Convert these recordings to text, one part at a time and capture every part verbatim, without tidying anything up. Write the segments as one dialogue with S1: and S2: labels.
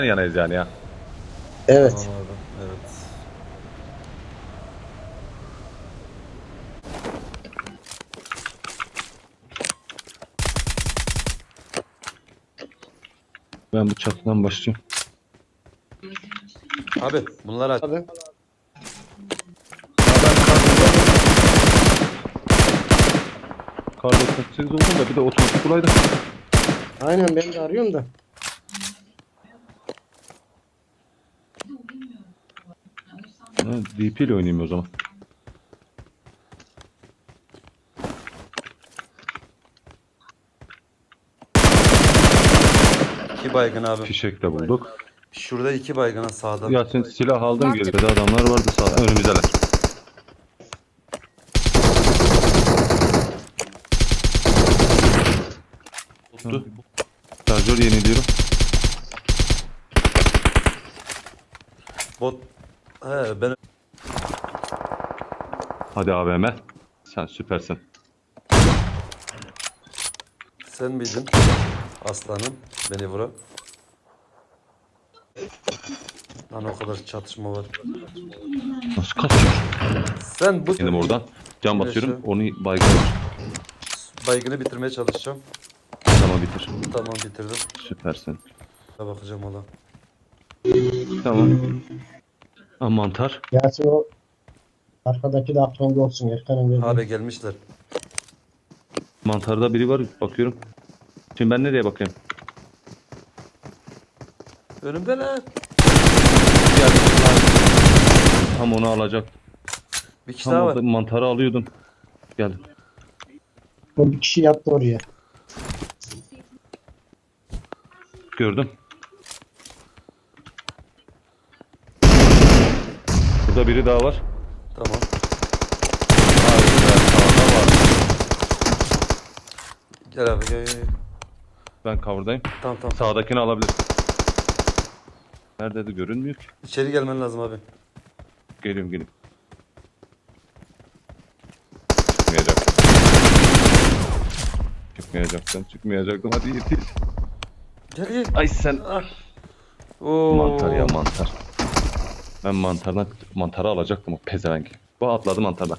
S1: yanayız yani ya.
S2: Evet.
S3: Tamam abi. Evet.
S1: Ben bu çatıdan başlayayım.
S3: Abi bunlar aç.
S2: Abi.
S1: Kar doksan sekiz oldum da bir de otomatik olaydı.
S2: Aynen ben de arıyorum da.
S1: Ha, D P ile oynayayım o zaman.
S3: İki baygın abi.
S1: Fişek de bulduk.
S3: Şurada iki baygına sağda.
S1: Yasin silah aldım geride adamlar vardı sağ önümüzdeler.
S3: Tuttu.
S1: Şarjör yeniliyorum.
S3: Bot. He ben.
S1: Hadi A V M. Sen süpersin.
S3: Sen miydin? Aslanım. Beni vura. Lan o kadar çatışma var.
S1: Nasıl kaçıyor?
S3: Sen bu
S1: Benim oradan cam
S3: Neyse.
S1: basıyorum. Onu baygın.
S3: baygını bitirmeye çalışacağım.
S1: Tamam bitir.
S3: Tamam bitirdim.
S1: Süpersin.
S3: Bir bakacağım ola.
S1: Tamam. Ha, mantar.
S2: Yasin o arkadaki de aklında olsun. Erkan'ın verdiği.
S3: Abi gelmişler.
S1: Mantarda biri var bakıyorum. Şimdi ben nereye bakayım?
S3: Önümdeler.
S1: Geldim. Tam onu alacak.
S3: Bir kişi
S1: Tam
S3: daha
S1: orada
S3: var.
S1: mantarı alıyordum. Geldim.
S2: O bir kişi yattı oraya.
S1: Gördüm. Burada biri daha var.
S3: Tamam.
S1: Harbiden sağda var.
S3: Gel abi gel gel. gel.
S1: Ben cover'dayım.
S3: Tamam tamam.
S1: Sağdakini alabilir. Neredeydi görünmüyor ki.
S3: İçeri gelmen lazım abi.
S1: Geliyorum geliyorum. Çıkmayacaktım. Çıkmayacaktım. Çıkmayacaktım. Hadi yetiş.
S3: Gel gel.
S1: Ay sen.
S3: Ah. Oo.
S1: Mantar ya mantar. Ben mantardan mantarı alacaktım o pezevenk. Bu atladı mantardan.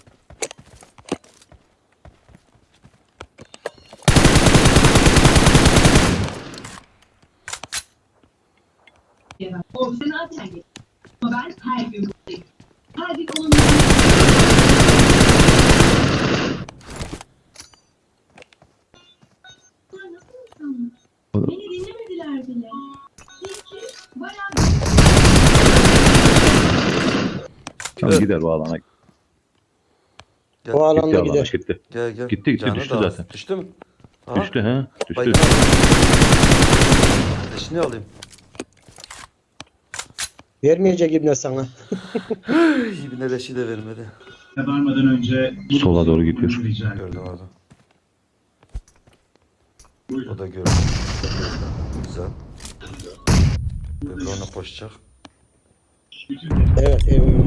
S4: O zaten geç. Ama ben her gün buradayım. Her gün onun Bunlar nasıl insanlar? Beni dinlemediler bile. Peki, bayağı
S1: Tamam gider bu alana.
S3: Gel.
S2: O alanda
S1: Gitti alana
S2: gider.
S1: gitti.
S3: Gel gel.
S1: Gitti, gitti,
S3: Canı
S1: düştü
S3: da az.
S1: zaten.
S3: Düştü mü? Aha.
S1: Düştü he. Düştü.
S3: Baygın. Eşini alayım.
S2: Vermeyecek İbne sana.
S3: İyi bir neleşi de vermedi.
S5: varmadan önce
S1: Sola doğru gidiyor.
S5: rica ederim.
S3: Gördüm abi.
S5: Buyurun.
S3: O da gördü. Güzel. Öbürü ona koşacak.
S5: Bütün
S2: Evet evet.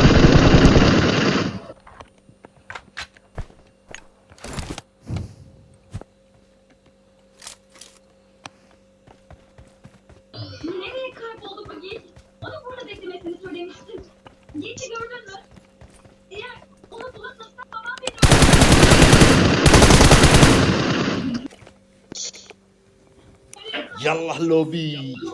S4: nereye kayboldu bu Yiğit? Onu burada beklemesini söylemiştim. Yiğit'i gördün mü? Eğer onu bulursa babam beni
S2: Yallah lobi.